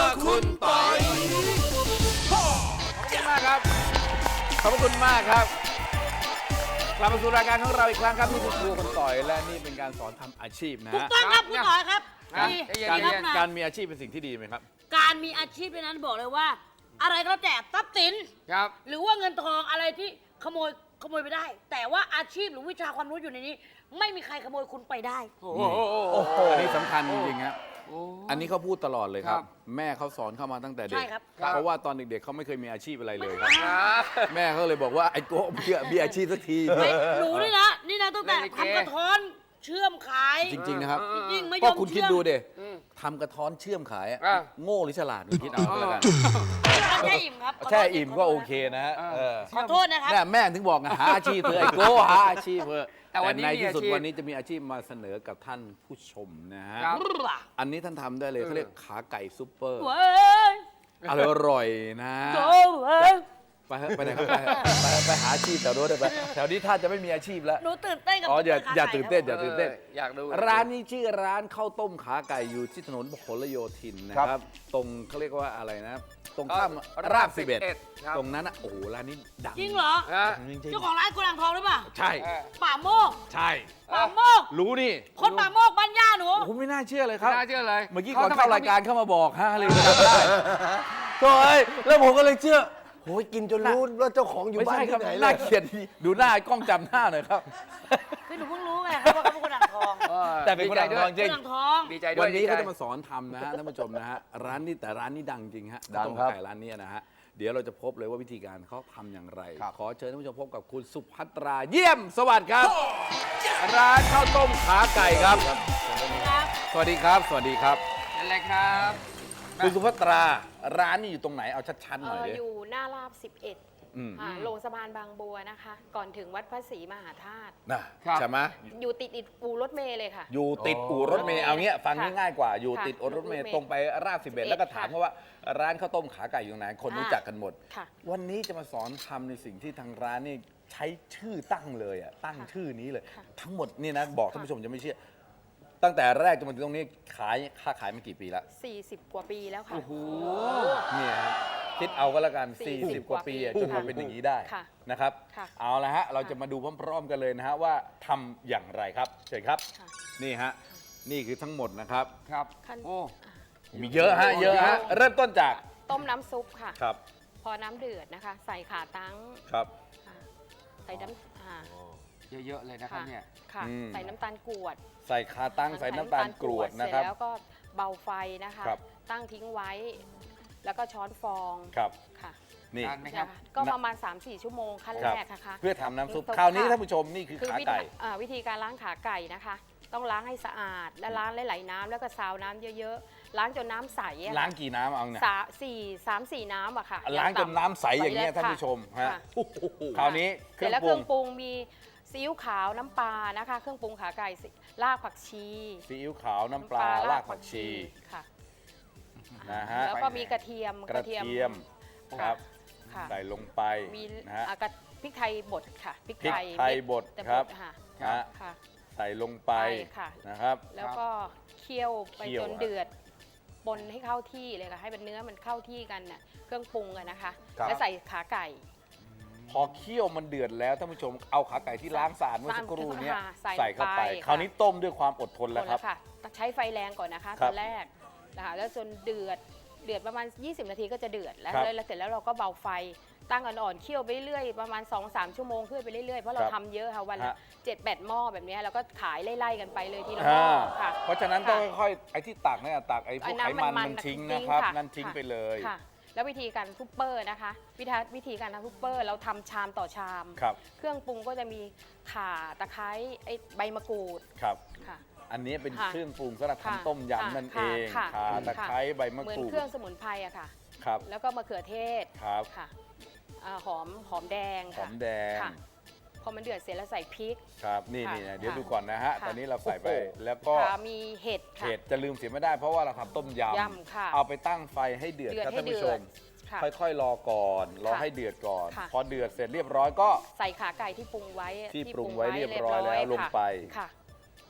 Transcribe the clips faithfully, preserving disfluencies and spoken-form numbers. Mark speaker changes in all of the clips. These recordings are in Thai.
Speaker 1: คุณปอย
Speaker 2: ขอบคุณมากครับ ขอบคุณมากครับกลับมาสู่รายการของเราอีกครั้งครับนี่คือครัวคุณต่อยและนี่เป็นการสอนทำอาชีพนะ
Speaker 3: ถูก
Speaker 2: ฮะ
Speaker 3: ต้องครับคุณต่อยครับ
Speaker 2: การ
Speaker 3: ดี
Speaker 2: การ
Speaker 3: ดีครับนะ
Speaker 2: การมีอาชีพเป็นสิ่งที่ดีไหมครับ
Speaker 3: การมีอาชีพในนั้นบอกเลยว่า อะไรก็แล้วแต่ทรัพย์สิน
Speaker 1: ครับ
Speaker 3: หรือว่าเงินทองอะไรที่ขโมยขโมยไปได้ แต่ว่าอาชีพหรือวิชาความรู้อยู่ในนี้ ไม่มีใครขโมยคุณไปได้
Speaker 1: โอ้โห
Speaker 2: โอ้โหอันนี้สำคัญจริงๆครับ
Speaker 1: โอ้
Speaker 2: อันนี้เขาพูดตลอดเลยครั
Speaker 1: ครับ บ
Speaker 2: แม่เขาสอนเข้ามาตั้งแต่เด็
Speaker 3: ใช่
Speaker 2: ก
Speaker 3: ครับ
Speaker 2: เพราะว่าตอนเด็กๆเขาไม่เคยมีอาชีพอะไรเลยครับ
Speaker 1: ครับ
Speaker 2: แม่เขาเลยบอกว่าไอ้โก้มีมีอาชีพสักที
Speaker 3: ไม่หนูนี่นะ นี่นะตั้งแต่
Speaker 1: เล่นลิเก
Speaker 3: ทำกระท้อนเชื่อมขาย
Speaker 2: จริงๆนะครับ
Speaker 3: จริงๆไม่ย
Speaker 2: ก็
Speaker 3: อม
Speaker 2: คุณคิด
Speaker 3: เชื่อม
Speaker 2: ดูเด
Speaker 1: อืม
Speaker 2: ทำกระท้อนเชื่อมขายอะ
Speaker 1: อ่ะ
Speaker 2: โง่หรือฉลาดคุณคิดเอาก็แล้วกัน
Speaker 3: แค่อิ่มครับขโทษ
Speaker 2: แค่อิ่มก็โอเค
Speaker 3: ข
Speaker 2: นะฮะเออ
Speaker 3: อโทษนะครับ
Speaker 2: เนี่ยแม่ถึงบอกไงหาอาชีพเถอะไอ้โก้หาอาชีพเถอะ
Speaker 1: แต่วันนี้
Speaker 2: ใน
Speaker 1: มี
Speaker 2: ที่สุด
Speaker 1: อาชีพ
Speaker 2: วันนี้จะมีอาชีพมาเสนอกับท่านผู้ชมนะฮะ
Speaker 1: ครับ
Speaker 2: อันนี้ท่านทำได้เลยเขาเรียกขาไก่ซุปเปอร์
Speaker 3: เว้ย
Speaker 2: อร่อยนะ
Speaker 3: โจ้เว้ย
Speaker 2: ไปเถอะไปไหนครับไปเถอะไปไปหาอาชีพแถวโน้นเถอะไปแถวนี้ท่านจะไม่มีอาชีพแล้ว
Speaker 3: หนูตื่นเต้นกับ
Speaker 2: อ๋ออย่า
Speaker 3: ข
Speaker 2: อย่า
Speaker 3: ไก่
Speaker 2: ตื่นเต้น
Speaker 3: ค
Speaker 2: อย่า
Speaker 3: รับ
Speaker 2: ตื่นเต้น
Speaker 1: อยากดู
Speaker 2: ร้านนี้ชื่อร้านข้าวต้มขาไก่อยู่ที่ถนนพหลโยธินนะครับ ตรงเขาเรียกว่าอะไรนะ ตรงข้ามราบสิบเอ็ด
Speaker 1: ครับ
Speaker 2: ตรงนั้นนะโอ้โหร้านนี้ดัง
Speaker 3: จริงเหรอ
Speaker 1: ฮะ
Speaker 2: จริง
Speaker 3: เจ้าของร้านกุหลาบทองหรือเปล่า
Speaker 2: ๆใช่
Speaker 1: เออ
Speaker 3: ป่าโมก
Speaker 2: ใช่
Speaker 3: ป่าโมก
Speaker 2: รู้นี่
Speaker 3: คนป่าโมกบ้านย่าหนู
Speaker 2: ผมไม่น่าเชื่อเลยครับ
Speaker 1: ไม่น่าเชื่อเลย
Speaker 2: เมื่อกี้ก่อนเข้ารายการเข้ามาบอกฮะเลยจำได้โถ่เอ้ยแล้วผมก็เลยเชื่อ
Speaker 4: โอ้ยกินจนรู้ว่าเจ้าของอยู่
Speaker 2: ไม่
Speaker 4: บ้าน
Speaker 2: ใช่ครั
Speaker 4: ที่
Speaker 2: บ
Speaker 4: ไหนเล
Speaker 2: น่าย เกลียดดีดูหน้าไอ้กล้องจำหน้าหน่อยครับ
Speaker 3: คือหนูเพิ่งรู้ไงครับว่าเขาเป็นคนอ่างทอง
Speaker 1: ออ
Speaker 2: แต่เป็นคนอ่างทองจริ
Speaker 3: คนอ่างทอง
Speaker 1: ดีใจด้วย
Speaker 2: วันนี้
Speaker 1: ดีใจ
Speaker 2: เขาจะมาสอนทำนะฮะท่านผู้ชมนะฮะร้านนี้แต่ร้านนี้ดังจริงฮะ
Speaker 4: ดัง
Speaker 2: ข้าวต้ม
Speaker 4: ครับ
Speaker 2: ไก่ร้านนี้นะฮะเดี๋ยวเราจะพบเลยว่าวิธีการเขาทำอย่างไร
Speaker 4: ครับ
Speaker 2: ขอเชิญท่านผู้ชมพบกับคุณสุภัตราเยี่ยมสวัสดีครับ ร้านข้าวต้มขาไก่ครับ
Speaker 3: ครับ
Speaker 2: สวัสดีครับ สวัสดีครับ
Speaker 1: นั่นแหละครับ
Speaker 2: คุณสุภัตราร้านนี้อยู่ตรงไหนเอาชัดๆห
Speaker 5: เอ
Speaker 2: น่อย
Speaker 5: อ
Speaker 2: ดิ
Speaker 5: อยู่หน้าราบสิบเอ็ด
Speaker 2: อืม
Speaker 5: อ่าลงสะพานบางบัวนะคะ ก่อนถึงวัดพระศรีมหาธาตุ
Speaker 2: นะครับ ใช่ไหม
Speaker 5: อยู่ติดติดปูรถเมล์เลยค่ะ
Speaker 2: อยู่ติดอู่รถเมล์เอาเงี้ยฟัง
Speaker 5: ค่ะ
Speaker 2: ง่ายๆกว่าอยู่
Speaker 5: ค่ะ
Speaker 2: ติดอู่รถเมล์
Speaker 5: รถเมล์
Speaker 2: ตรงไปราบสิบเอ็ด
Speaker 5: สิบเอ็ด
Speaker 2: แล้วก็ถาม
Speaker 5: ค่ะ
Speaker 2: เขาว่าร้านข้าวต้มขาไก่อยู่ไหนคนรู้จักกันหมด
Speaker 5: ค่ะ
Speaker 2: วันนี้จะมาสอนทำในสิ่งที่ทางร้านนี่ใช้ชื่อตั้งเลยอ่ะตั้ง
Speaker 5: ค่ะ
Speaker 2: ชื่อนี้เลย
Speaker 5: ค่ะ
Speaker 2: ทั้งหมดนี่นะบอกท่าน
Speaker 5: ค่ะ
Speaker 2: ผู้ชมจะไม่เชื่อ ตั้งแต่แรกจนมาถึงตรงนี้ขายค่าขายมากี่ปีละ
Speaker 5: สี่สิบกว่าปีแล้วค่ะ
Speaker 1: โอ้โห
Speaker 2: เนี่ยฮะคิดเอาก็แล้วกัน
Speaker 5: สี่
Speaker 2: สี่
Speaker 5: สิ
Speaker 2: สิบบ ก
Speaker 5: ก
Speaker 2: ว่า
Speaker 5: ว่า
Speaker 2: ปี
Speaker 5: ปี
Speaker 2: อะจนมาเป็นอย่างนี้ได้
Speaker 5: ค่ะ
Speaker 2: นะครับ
Speaker 5: ค่ะ
Speaker 2: เอาละฮะเราจะมาดูพร้อมๆกันเลยนะฮะว่าทำอย่างไรครับเชิญครับ
Speaker 5: ค่ะ
Speaker 2: นี่ฮะนี่คือทั้งหมดนะครับ
Speaker 1: ครับ
Speaker 5: ขั้น
Speaker 1: โอ้
Speaker 2: มีเยอะฮะเยอะฮะเริ่มต้นจาก
Speaker 5: ต้มน้ำซุปค่ะ
Speaker 2: ครับ
Speaker 5: พอน้ำเดือดนะคะ ใส่ขาตั้ง
Speaker 2: ครับ
Speaker 5: ค่ะใส่น้ำอ่า
Speaker 1: เยอะๆเลยนะครับ
Speaker 5: ค่ะ
Speaker 1: เนี่ย
Speaker 5: ค่ะ
Speaker 2: อืม
Speaker 5: ใส่น้ำตาลกรวด
Speaker 2: ใส่คาตั้งใส่น้ำตาลกรวดนะครับ
Speaker 5: เสจแล้วก็เบาไฟนะคะ
Speaker 2: ครับ
Speaker 5: ตั้งทิ้งไว้ แล้วก็ช้อนฟอง
Speaker 2: ครับ
Speaker 5: ค่ะ
Speaker 2: นี่
Speaker 1: นานไหมครับ
Speaker 5: นะคะก็ประมาณ สามสี่ ชั่วโมงขั้น
Speaker 2: ค
Speaker 5: แร
Speaker 2: รับ
Speaker 5: กนะคะ
Speaker 2: เพื่อทำน้ำซุป
Speaker 5: ค่ะ
Speaker 2: คราวนี้ท่านผู้ชมนี่คือ
Speaker 5: คือ
Speaker 2: ขา
Speaker 5: วิธี
Speaker 2: ไก่
Speaker 5: อ่าวิธีการล้างขาไก่นะคะ ต้องล้างให้สะอาด และล้างไหลๆน้ำแล้วก็ซาวน้ำเยอะๆ ล้างจนน้ำใสอะ
Speaker 2: ล้างกี่น้ำเอาเนี่ย
Speaker 5: สาสี่สามสี่น้ำอะค่ะ
Speaker 2: ล้างจน
Speaker 5: อย่
Speaker 2: น้ำใสอย่างเงี้ย
Speaker 5: ใส
Speaker 2: ท่านผู้ชมฮะ
Speaker 5: ค่ะ
Speaker 2: คราวนี้เค
Speaker 5: เสร็
Speaker 2: รื่
Speaker 5: จ
Speaker 2: อง
Speaker 5: แล้ว
Speaker 2: ป
Speaker 5: เค
Speaker 2: รุ
Speaker 5: รื่
Speaker 2: ง
Speaker 5: องปรุงมีซีอิ๊วขาวน้ำปลานะคะ เครื่องปรุงขาไก่สิรากผักชี
Speaker 2: ซีอิ๊วขาวน้ำปลารากผักชี
Speaker 5: ค่ะ
Speaker 2: นะฮะ
Speaker 5: แล้วก็มีกระเทียม
Speaker 2: กระเทียมครับ
Speaker 5: ค่ะ
Speaker 2: ใส่ลงไป
Speaker 5: มี
Speaker 2: นะฮะ
Speaker 5: อ่ากระพริกไทยบดค่ะพริก
Speaker 2: พริก
Speaker 5: ไทย
Speaker 2: ไทยบด
Speaker 5: แต่
Speaker 2: ครับ
Speaker 5: ค่ะ
Speaker 2: นะฮะ
Speaker 5: ค่ะ
Speaker 2: ใส่ลงไป
Speaker 5: ไปค่ะ
Speaker 2: นะครับ
Speaker 5: แล้วก็เคี่ยวไป
Speaker 2: เคี่ยว
Speaker 5: จน
Speaker 2: ฮะ
Speaker 5: เดือดปนให้เข้าที่เลยค่ะ ให้มันเนื้อมันเข้าที่กันน่ะเครื่องปรุงกันนะคะ
Speaker 4: ครับ
Speaker 5: แล้วใส่ขาไก่
Speaker 2: พอเคี่ยวมันเดือดแล้วท่านผู้ชมเอาขาไก่ที่ล้างสะอาดเมื่อสักครู่เนี้ย
Speaker 5: ใส่
Speaker 2: ใส่เข้าไป
Speaker 5: ลงไป
Speaker 2: คราวนี้ต้มด้วยความอดทน
Speaker 5: ค
Speaker 2: แล้ว
Speaker 5: น
Speaker 2: ครับ
Speaker 5: ละค่ะใช้ไฟแรงก่อนนะคะ
Speaker 2: ครั
Speaker 5: ต
Speaker 2: บ
Speaker 5: อนแรกนะคะแล้วจนเดือดเดือดประมาณ ยี่สิบ นาทีก็จะเดือดแล้ว
Speaker 2: ครับ
Speaker 5: แล้วเสร็จแล้วเราก็เบาไฟตั้งอ่อนๆเคี่ยวไปเรื่อยๆประมาณ สองสาม ชั่วโมงขึ้นไปเรื่อยๆเพราะเรา
Speaker 2: ครับ
Speaker 5: ทำเยอะค่ะวันละ
Speaker 2: ฮะ
Speaker 5: เจ็ดแปดหม้อแบบเนี้ยแล้วก็ขายไล่ๆกันไปเลยทีละหม้
Speaker 2: อ่า
Speaker 5: อค่ะ
Speaker 2: เพราะฉะนั้นต้องค่อยๆไอ้ที่ตักเนี่ยตักไอ้พวกไขมัน
Speaker 5: มั
Speaker 2: มัน
Speaker 5: ๆ
Speaker 2: ทิ้ง
Speaker 5: ทิ้
Speaker 2: นะครับ
Speaker 5: ค่ะ
Speaker 2: นั่นทิ้ง
Speaker 5: ค่ะ
Speaker 2: ไปเลย
Speaker 5: ค่ะ แล้ววิธีการซุปเปอร์นะคะวิธีวิธีการทำซุปเปอร์เราทำชามต่อชาม
Speaker 2: ครับ
Speaker 5: เครื่องปรุงก็จะมีข่าตะไคร้ไอ้ใบมะกรูด
Speaker 2: ครับ
Speaker 5: ค่ะ
Speaker 2: อันนี้เป็น
Speaker 5: ค่ะ
Speaker 2: เครื่องปรุงสำหรับ
Speaker 5: ค่ะ
Speaker 2: ทำต้มยำนั่นเอง
Speaker 5: ค่ะ
Speaker 2: ข่า
Speaker 5: ค่ะ
Speaker 2: ตะไคร้ใบมะ
Speaker 5: เหมือน
Speaker 2: กรูด
Speaker 5: เครื่องสมุนไพรอะค่ะ
Speaker 2: ครับ
Speaker 5: แล้วก็มะเขือเทศ
Speaker 2: ครับ
Speaker 5: ค่ะอ่าหอมหอมแดง
Speaker 2: หอ
Speaker 5: ค่ะ
Speaker 2: มแดง
Speaker 5: ค่ะ พอมันเดือดเสร็จแล้วใส่พริก
Speaker 2: ครับนี่
Speaker 5: ค่ะ
Speaker 2: นี่นะเดี๋ยว
Speaker 5: ค่ะ
Speaker 2: ดูก่อนนะฮะ
Speaker 5: ค่ะ
Speaker 2: ตอนนี้เราใส่ไป
Speaker 4: โอ้โห
Speaker 2: แล้วก็
Speaker 5: ค่ะมีเห็ดค่ะ
Speaker 2: เห็ดจะลืมเสียไม่ได้เพราะว่าเราทำต้มย
Speaker 5: ยำค่ะ
Speaker 2: ำเอาไปตั้งไฟให้เดือด
Speaker 5: เดือด
Speaker 2: ครับ
Speaker 5: ให้
Speaker 2: ท่านผู้ช
Speaker 5: เดือด
Speaker 2: ม
Speaker 5: ค่ะ
Speaker 2: ค่อยๆ รอก่อน รอ
Speaker 5: ค่ะ
Speaker 2: ให้เดือดก่อน
Speaker 5: ค่ะ
Speaker 2: พอเดือดเสร็จเรียบร้อยก็
Speaker 5: ใส่ขาไก่ที่ปรุงไว้
Speaker 2: ที่ปรุงไว้เรียบร้อยแล้วลงไป
Speaker 5: ค่ะ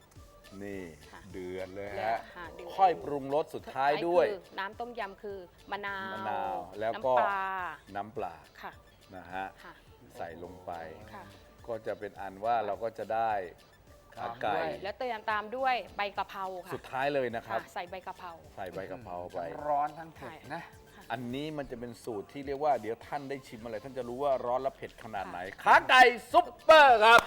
Speaker 2: นี่
Speaker 5: ค่ะ
Speaker 2: เดือดเลย
Speaker 5: แล้ว
Speaker 2: ฮะ
Speaker 5: ค่ะเดือด
Speaker 2: ค่อยปรุงรสสุดท้ายด้วย
Speaker 5: คือน้ำต้มยำคือมะนาว
Speaker 2: มะนาวแล้วก็
Speaker 5: น้ำปลา
Speaker 2: น้ำปลา
Speaker 5: ค่ะ
Speaker 2: นะฮะ
Speaker 5: ค่ะ
Speaker 2: ใส่ลงไป
Speaker 5: ค่ะ
Speaker 2: ก็จะเป็นอันว่าเราก็จะได้ขาไก่
Speaker 5: แล้วเติมตามด้วยใบกะเพราค่ะ
Speaker 2: สุดท้ายเลยนะครั
Speaker 5: ค่ะ
Speaker 2: บ
Speaker 5: ใส่ใบกะเพรา
Speaker 2: ใส่ใบกะเพราไป
Speaker 1: ร้อนทั้งเผ็ดนะ
Speaker 2: อันนี้มันจะเป็นสูตรที่เรียกว่าเดี๋ยวท่านได้ชิมอะไรท่านจะรู้ว่าร้อนและเผ็ดขนาดไหนขาไก่ซุปเปอร์ครับ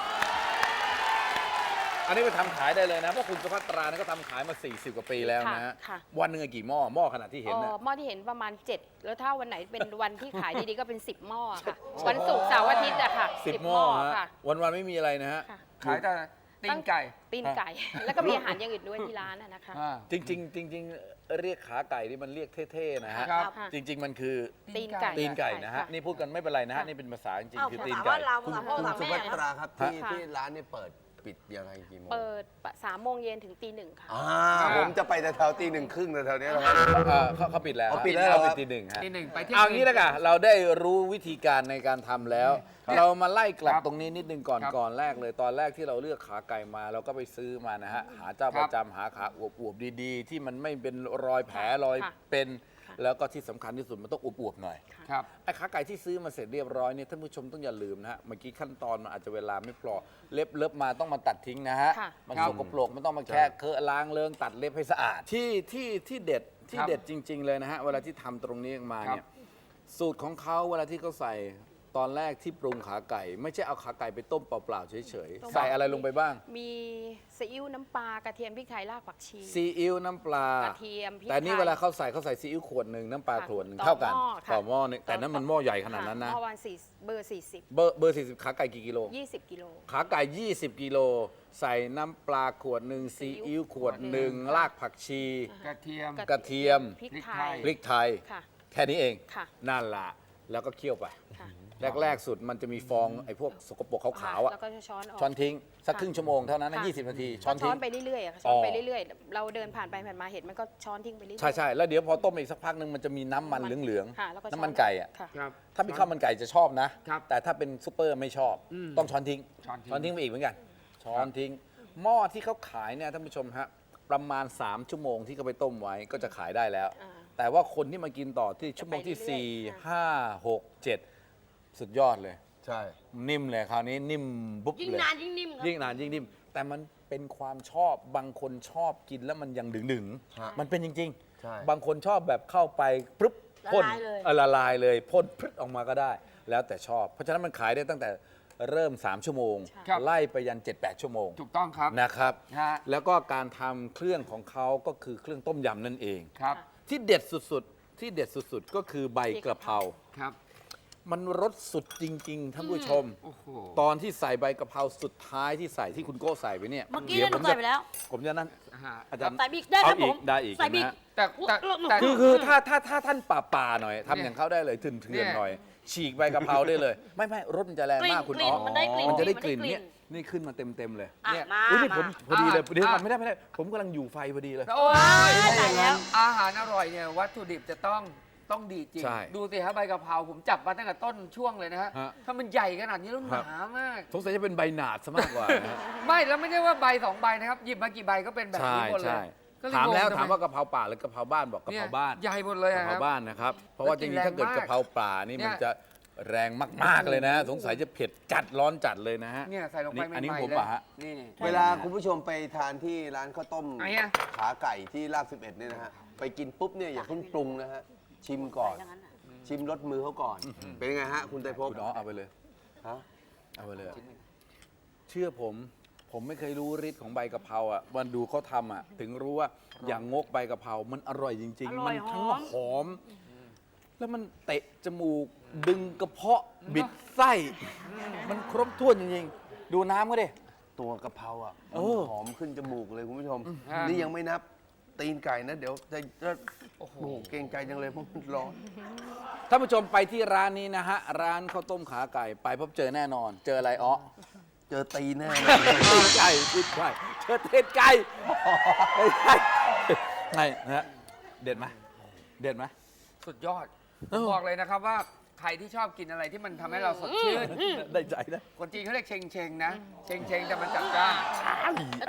Speaker 2: อันนี้ไปทำขายได้เลยนะเพราะคุณสุภัตราเนี่ยก็ทำขายมา สี่สิบ กว่าปีแล้วนะฮะ
Speaker 5: ค่ะ
Speaker 2: วันหนึ่งกี่หม้อหม้อขนาดที่เห็น
Speaker 5: เอ่
Speaker 2: นะ
Speaker 5: อหม้อที่เห็นประมาณ เจ็ด แล้วถ้าวันไหนเป็นวันที่ขายดีๆก็เป็น สิบ หม้อค่ะ วันศุกร์เสาร์อาทิตย์อะค่ะ
Speaker 2: สิบหม้อฮะ
Speaker 5: ค่ะ
Speaker 2: วันวันๆไม่มีอะไรนะฮะ
Speaker 5: ค่ะ
Speaker 1: ขายแต่ตีนไก่
Speaker 5: ตีนไก่ แล้วก็มีอาหารอย่างอื่นด้วยที่ร้านอะนะคะ
Speaker 1: อ่า
Speaker 2: จริงๆจริงๆเรียกขาไก่นี่มันเรียกเท่ๆนะฮะ
Speaker 1: ครับ
Speaker 5: ค่ะ
Speaker 2: จริง ๆ มันคือ
Speaker 5: ตีนไก่
Speaker 2: ตีนไก่นะฮะ
Speaker 5: ค่
Speaker 2: นี่พูดกันไม่เป็นไรนะฮะ
Speaker 5: ค่ะ
Speaker 2: นี่เป็นภาษาจริง
Speaker 3: อ้าว
Speaker 2: ๆคือ
Speaker 3: ภา
Speaker 2: ตีน
Speaker 3: ษา
Speaker 2: ไก่
Speaker 3: บ้านเราภาษาพ่อ
Speaker 4: คุณ
Speaker 3: ภาษา
Speaker 4: สุ
Speaker 3: แม่
Speaker 4: ภัต
Speaker 3: นะ
Speaker 4: ราครับที่
Speaker 5: ค่ะ
Speaker 4: ที่ร้านเนี่ยเปิดปิดยังไงกี่โมง
Speaker 5: เปิดสามโมงเย็นถึงตีหนึ่งค่ะ
Speaker 4: อ่าผมจะไปแถวๆตีหนึ่งครึ่งแถวๆเนี้ยนะครับ
Speaker 2: เออเขาเขาปิดแล้ว
Speaker 4: เขาปิดแล้ว
Speaker 2: เรา
Speaker 4: ค
Speaker 2: ปิ
Speaker 4: รั
Speaker 2: ด
Speaker 4: บ
Speaker 2: ทีหนึ่งฮะ
Speaker 1: ตีหนึ่งไปเที่ยง
Speaker 2: เอางี้แล้วกันเราได้รู้วิธีการในการทำแล้ว เรามาไล่กลับ
Speaker 1: ครับ
Speaker 2: ตรงนี้นิดนึงก่อน
Speaker 1: ครับ
Speaker 2: ก่อนแรกเลยตอนแรกที่เราเลือกขาไก่มาเราก็ไปซื้อมานะฮะหาเจ้า
Speaker 1: ค
Speaker 2: ป
Speaker 1: รับ
Speaker 2: ระจำหาขาอวบๆดีๆ ที่มันไม่เป็นรอยแผลรอย
Speaker 5: ค่ะ
Speaker 2: เป็น
Speaker 5: ค่ะ
Speaker 2: แล้วก็ที่สำคัญที่สุดมันต้องอวบๆหน่อย
Speaker 1: ครับ
Speaker 2: ไอ้ขาไก่ที่ซื้อมาเสร็จเรียบร้อยเนี่ยท่านผู้ชมต้องอย่าลืมนะฮะเมื่อกี้ขั้นตอนมันอาจจะเวลาไม่พอเล็บเล็บมาต้องมาตัดทิ้งนะฮะ
Speaker 5: ค่ะ
Speaker 2: มัน
Speaker 1: ครับ
Speaker 2: สกปรกมันต้องมาแค่เคอะล้างเลิงตัดเล็บให้สะอาดที่ที่ที่เด็ดที่
Speaker 1: ครับ
Speaker 2: เด็ดจริง ๆ เลยนะฮะเวลาที่ทำตรงนี้ออกมา
Speaker 1: ครับ
Speaker 2: เนี่ยสูตรของเขาเวลาที่เขาใส่ตอนแรกที่ปรุงขาไก่ ไม่ใช่เอาขาไก่ไปต้มเปล่าๆเฉย
Speaker 5: ต้ม
Speaker 2: ๆใส่อะไรลงไปบ้าง
Speaker 5: มีซีอิ๊วน้ำปลากระเทียมพริกไทยรากผักชี
Speaker 2: ซีอิ๊วน้ำปลาก
Speaker 5: ระเทียมพริก
Speaker 2: แต่นี่
Speaker 5: ไทย
Speaker 2: เวลาเขาใส่เขาใส่ซีอิ๊วขวดหนึ่งน้ำปลา
Speaker 5: ค่ะ
Speaker 2: ขวดหนึ่ง
Speaker 5: ต่อ
Speaker 2: เท่ากัน
Speaker 5: หม้อค่ะ
Speaker 2: ต่อหม้อนึงแต่นั้นมันหม้อใหญ่ขนาดนั้นนะ
Speaker 5: เมื่อวันสี่เบอร์สี่สิบ
Speaker 2: เบอร์เบอร์สี่สิบขาไก่กี่กิโล
Speaker 5: ยี่สิบกิโล
Speaker 2: ขาไก่ ยี่สิบ กิโล ใส่น้ำปลาขวดหนึ่งซีอิ๊วขวดหนึ่งรากผักชี
Speaker 1: กระเทียม
Speaker 2: กระเทียม
Speaker 5: พริก
Speaker 1: พริก
Speaker 5: ไท
Speaker 1: ไท
Speaker 5: ย
Speaker 1: ย
Speaker 2: พริกไทย
Speaker 5: ค่ะ
Speaker 2: แค่นี้เอง
Speaker 5: ค่ะ
Speaker 2: นั่นละแล้วก็เคี่ยวไป
Speaker 5: ค่ะ
Speaker 2: แรก ๆ สุดมันจะมีฟองไอ้พวกสกปรกขาวๆอ่ะ
Speaker 5: แล้วก็จะช้อนออก
Speaker 2: ช้อนทิ้ง สัก
Speaker 5: ค่ะ
Speaker 2: ครึ่งชั่วโมงเท่านั้นนะ
Speaker 5: ค่ะ
Speaker 2: ยี่สิบนาที ช้
Speaker 5: ช้
Speaker 2: อ
Speaker 5: อน น
Speaker 2: ทิ้ง
Speaker 5: ไปเรื่อยๆอะค่ะช้อนไป
Speaker 2: อ๋อ
Speaker 5: เรื่อยๆ เราเดินผ่านไปผ่านมาเห็นมันก็ช้อนทิ้งไปเรื่อยๆ
Speaker 2: ใช่ใช่แล้วเดี๋ยวพอต้มอีกสักพักหนึ่งมันจะมีน้ำมันเหลือง
Speaker 5: ค่ะแล้วก็
Speaker 2: ๆน้ำมันไก่อ่ะ
Speaker 5: ค่ะ
Speaker 1: ครับ
Speaker 2: ถ้าเป็นข้าวมันไก่จะชอบนะ
Speaker 1: ครับ
Speaker 2: แต่ถ้าเป็นซุปเปอร์ไม่ชอบ
Speaker 1: อืม
Speaker 2: ต้องช้อนทิ้ง
Speaker 1: ช้อนทิ้ง
Speaker 2: ช้อนทิ้งไปอีกเหมือนกัน ช้อนทิ้ง หม้อที่เขาขายเนี่ยท่านผู้ชมฮะ ประมาณ สาม ชั่วโมงที่เขาไปต้มไว้ก็จะขายได้แล้ว
Speaker 5: อ่า
Speaker 2: แต่ว่าคนที่มากินต่อที่ชั่วโมงที่
Speaker 5: จะไปเรื่อยๆ
Speaker 2: สี่
Speaker 5: ค่ะ
Speaker 2: ห้า หก เจ็ด สุดยอดเลย
Speaker 4: ใช่
Speaker 2: นิ่มเลยคราวนี้นิ่มบุ๊บ
Speaker 3: ยิ่ง
Speaker 2: เลย
Speaker 3: นานยิ่งนิ่มครับ
Speaker 2: ยิ่งนานยิ่งนิ่มแต่มันเป็นความชอบบางคนชอบกินแล้วมันยังดึงดึงๆ
Speaker 4: ฮะ
Speaker 2: มันเป็นจริง
Speaker 4: ใช่
Speaker 2: ๆ บางคนชอบแบบเข้าไปปึ๊บพ่น
Speaker 3: ละลายเลย
Speaker 2: เออละลายเลยพ่นพรึดออกมาก็ได้ แล้วแต่ชอบ เพราะฉะนั้นมันขายได้ตั้งแต่เริ่ม สาม ชั่วโมง
Speaker 1: ครับ
Speaker 2: ไล่ไปยัน เจ็ดแปด ชั่วโมง
Speaker 1: ถูกต้องครับ
Speaker 2: นะครับ
Speaker 1: ฮะ
Speaker 2: แล้วก็การทำเครื่องของเขาก็คือเครื่องต้มยำนั่นเอง
Speaker 1: ครับ
Speaker 2: ที่เด็ดสุดๆ ที่เด็ดสุดๆ ก็คือใบกระเพรา
Speaker 1: ครับ
Speaker 2: มันรสสุดจริงๆท่านผู้ชม
Speaker 1: โอ้โห
Speaker 2: ตอนที่ใส่ใบกะเพราสุดท้ายที่ใส่ที่คุณโก้ใส่ไปเนี่ย
Speaker 3: เมื่อกี้
Speaker 2: ดี๋
Speaker 3: เนี่ย
Speaker 2: ว
Speaker 3: หนูใส่ไปแล้ว
Speaker 2: ผมจะนั่น
Speaker 1: ฮะ
Speaker 2: อาจารย์
Speaker 3: ใส่บิ๊กได้ครับ
Speaker 2: เอาอี
Speaker 3: ผ
Speaker 2: ก
Speaker 3: ม
Speaker 2: ได้อีก
Speaker 3: ใส่บิ๊ก
Speaker 2: นะ
Speaker 1: แต่แต่แต่
Speaker 2: คือคือถ้าถ้าถ้าท่านป่าป่าๆหน่อยทำ
Speaker 1: เนี่ย
Speaker 2: อย่างเขาได้เลยถื่น
Speaker 1: เนี่
Speaker 2: เถื่อน
Speaker 1: ย
Speaker 2: หน่อย ฉีกใบกะเพราได้เลย ไม่ไม่รสมันจะแรงมากคุณ
Speaker 3: กลิ่
Speaker 2: อ๋
Speaker 3: น
Speaker 2: อ
Speaker 3: มันได้กลิ่น
Speaker 2: มันจะได้
Speaker 3: มัน
Speaker 2: ก
Speaker 3: ได้
Speaker 2: ลิ่น
Speaker 3: กลิ่น
Speaker 2: เนี่ยนี่ขึ้นมาเต็มเต็มๆเลย
Speaker 3: อ่ะ
Speaker 2: เนี่ย
Speaker 3: มา
Speaker 2: อุ้ยนี่ผม
Speaker 3: มา
Speaker 2: พอดีเลย
Speaker 1: อ่ะ
Speaker 2: เดี๋ยวก่อน
Speaker 1: อ่ะ
Speaker 2: ไม่ได้ไม่ได้ ผมกำลังอยู่ไฟพอดีเลย
Speaker 1: โอ้ย
Speaker 3: ตายแล้ว
Speaker 1: อาหารอร่อยเนี่ยวัตถุดิบจะต้องต้องดีจริง
Speaker 2: ใช่
Speaker 1: ดูสิครับใบกะเพราผมจับมาตั้งแต่ต้นช่วงเลยนะฮะ
Speaker 2: ฮะ
Speaker 1: ถ้ามันใหญ่ขนาดนี้แล้วห
Speaker 2: ครับ
Speaker 1: นามาก
Speaker 2: สงสัยจะเป็นใบหนาดซะมากกว่านะฮะ
Speaker 1: ไม่แล้วไม่ใช่ว่าใบสองใบนะครับ หยิบมากี่ใบก็เป็นแบบ
Speaker 2: ใช่
Speaker 1: นี้หมดเลย
Speaker 2: ใช่
Speaker 1: ก็เย
Speaker 2: ถามแล้ว
Speaker 1: งทำไ
Speaker 2: ถามว่ากะเพราป่าหรือกะเพราบ้านบอกกะ
Speaker 1: เนี่
Speaker 2: เพ
Speaker 1: ย
Speaker 2: ราบ้าน
Speaker 1: ใหญ่หมดเลย
Speaker 2: กะ
Speaker 1: อะ
Speaker 2: เพ
Speaker 1: ค
Speaker 2: รา
Speaker 1: รับ
Speaker 2: บ้านนะครับ เพราะว่าจ
Speaker 1: แล้วกิ
Speaker 2: ริ
Speaker 1: น
Speaker 2: งๆถ้าเกิด
Speaker 1: แรงมาก
Speaker 2: กะเพราป่านี่
Speaker 1: เนี่ย
Speaker 2: มันจะแรงมากๆเลยนะ สงสัยจะเผ็ดจัดร้อนจัดเลยนะฮะ
Speaker 1: เนี่ยใส่ลงไป
Speaker 2: อันนี้
Speaker 1: ใหม่ๆ
Speaker 2: ผม
Speaker 1: เลย
Speaker 2: ป่ะฮะ
Speaker 1: นี่
Speaker 4: เวลาคุณผู้ชมไปทานที่ร้านข้าวต้ม
Speaker 1: ไหนอะ
Speaker 4: ขาไก่ที่รากสิบเอ็ดเนี่ยนะฮะ ไปกินปุ๊บเนี่ยอย่าเพิ่งปรุงนะฮะ ชิมก่อน
Speaker 3: อย่างนั้นน่ะ
Speaker 4: ชิมรสมือเขาก่อน เป็นยังไงฮะ คุณไตรภพ
Speaker 2: คุณอ๋อเอาไปเลย
Speaker 4: ฮะ
Speaker 2: เอาไปเลย เชื่อผม ผมไม่เคยรู้ฤทธิ์ของใบกะเพราอ่ะวันดูเขาทำอ่ะ ถึงรู้ว่าอย่างงกใบกะเพรา มันอร่อยจริง
Speaker 3: อร่
Speaker 2: ๆ มั
Speaker 3: อย
Speaker 2: ทั้ง
Speaker 3: หอม
Speaker 2: หอม แล้วมันเตะจมูก ดึงกระเพาะ บิดไส้ มันครบถ้วนจริงๆ ดูน้ำก็ดิ
Speaker 4: ตัวกะเพราอ่ะ
Speaker 2: เอ
Speaker 4: มัน
Speaker 2: อ
Speaker 4: หอมขึ้นจมูกเลยคุณผู้ชม
Speaker 1: ฮะ
Speaker 4: นี่ยังไม่นับตีนไก่นะ เดี๋ยวจะจะโอ้โหเกรงใจจังเลยเพราะมันร้อน
Speaker 2: ท่านผู้ชมไปที่ร้านนี้นะฮะ ร้านข้าวต้มขาไก่ ไปพบเจอแน่นอน เจออะไรอ๋อ
Speaker 4: เจอตีนแน่เลย
Speaker 2: ตีนไก่ตีนไก่เจอเทศไก่ไม่ใช่ไงนะฮะเด็ดไหมเด็ดไหม
Speaker 1: สุดยอด
Speaker 2: เออ
Speaker 1: บอกเลยนะครับว่าใครที่ชอบกินอะไรที่มันทำให้เราสดชื่น
Speaker 2: ได้ใจนะ
Speaker 1: คนจีนเขาเรียกเชงเชงๆนะ เชงเชงๆแต่มันจัดจ้าน
Speaker 3: แล้วต้องร้อนๆ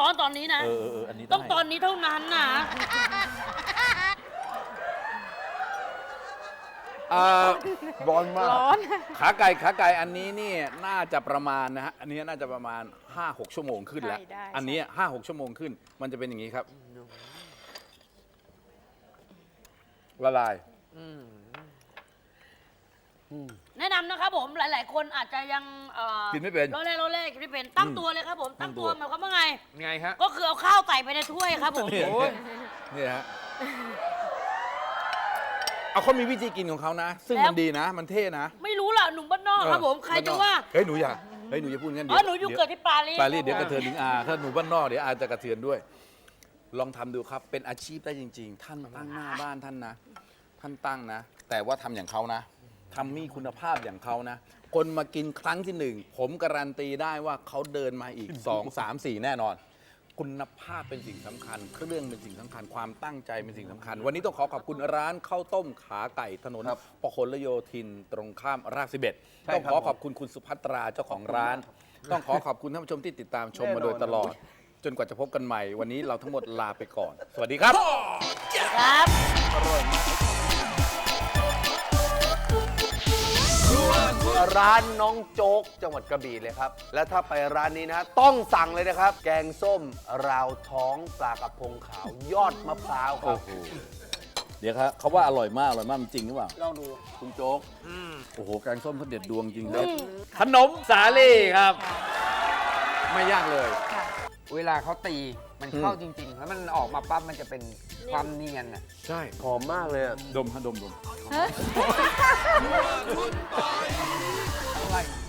Speaker 3: อนตอนนี้นะ
Speaker 2: เออเออเอออันนี้ได้
Speaker 3: ต้องตอนนี้เท่านั้นนะ
Speaker 2: เอ่อ
Speaker 4: ร้อนมาก
Speaker 5: ร้อน
Speaker 2: ขาไก่ขาไก่อันนี้นี่น่าจะประมาณนะฮะอันนี้น่าจะประมาณ ห้าหก ชั่วโมงขึ้นแล้ว
Speaker 5: ใช่ได้
Speaker 2: อันนี้ห้าหกชั่วโมงขึ้น มันจะเป็นอย่างนี้ครับละลาย
Speaker 3: แนะนำนะครับผมหลาย ๆ คนอาจจะยังเอ่อ
Speaker 2: กินไม่เป็น
Speaker 3: โรเล่โรเล่กินไม่เป็นตั้ง
Speaker 2: อืม
Speaker 3: ตัวเลยครับผม
Speaker 2: ตั้
Speaker 3: ตั้
Speaker 2: ง
Speaker 3: ง
Speaker 2: ตั
Speaker 3: ตัว วหมายความว่าไง
Speaker 1: ไงฮะ
Speaker 3: ก็คือเอาข้าวใส่ไปในถ้วยครับผม
Speaker 2: นี่
Speaker 1: โอ้ย
Speaker 2: นี่ฮะเอาเขามีวิธีกินของเขานะ ซึ่งมันดีนะ มันเท่นะ
Speaker 3: ไม่รู้ล่ะหนุ่มบ้านนอกครับผมใครจะว่า
Speaker 2: เฮ้ยหนูอย่าเฮ้ยหนูอย่าพูดงั้น
Speaker 3: อ๋อหนูอยู่
Speaker 2: ดี๋ว
Speaker 3: เกิดที่ปารีส
Speaker 2: ปารีสเดี๋ยว
Speaker 3: ค
Speaker 2: ก
Speaker 3: บ
Speaker 2: ระเทือนถึงอาถ้าหนูบ้านนอกเดี๋ยวอาจะกระเทือนด้วย ลองทำดูครับ เป็นอาชีพได้จริง ๆ ท่านตั้งหน้าบ้านท่านนะ ท่านตั้งนะ แต่ว่าทำอย่างเขานะทำมีคุณภาพอย่างเขานะ คนมากินครั้งที่หนึ่งผมการันตีได้ว่าเขาเดินมาอีก สอง สาม สี่ แน่นอน คุณภาพเป็นสิ่งสำคัญ เครื่องเป็นสิ่งสำคัญ ความตั้งใจเป็นสิ่งสำคัญ วันนี้ต้องขอขอบคุณร้านข้าวต้มขาไก่ถนน
Speaker 4: ครับ
Speaker 2: พหลโยธินตรงข้ามรากสิบเอ็ด
Speaker 4: ใช่
Speaker 2: ต้อง
Speaker 4: ครั
Speaker 2: ข
Speaker 4: บ
Speaker 2: อขอบคุณคุณสุภัตราเจ้าของร้าน ต้องขอขอบคุณท่านผู้ชมที่ติดตามชมมาโดยตลอด จนกว่าจะพบกันใหม่ วันนี้เราทั้งหมดลาไปก่อน สวัสดีครับ
Speaker 3: ครับ
Speaker 4: ร้านน้องโจ๊กจังหวัดกระบี่เลยครับ แล้วถ้าไปร้านนี้นะ ต้องสั่งเลยนะครับ แกงส้ม ราวท้องปลากระพงขาวยอดมะพร้าวครับ
Speaker 2: เดี๋ยวครับเขาว่าอร่อยมากอร่อยมากมันจริงหรือเปล่า
Speaker 3: ลองดู
Speaker 2: คุณโจ๊กโอ้โหแกงส้มเขาเด็ดดวงจริงเลยขนมสาลี่ครับ ไม่ยากเลย
Speaker 5: ค่ะ
Speaker 1: เวลาเขาตีมันเข้าจริง ๆ แล้วมันออกมาปั๊บมันจะเป็นความเนียนอ่ะ
Speaker 2: ใช่
Speaker 4: หอมมากเลยอะ
Speaker 2: ดมฮะดมดม
Speaker 5: เฮ้ย
Speaker 1: อะไร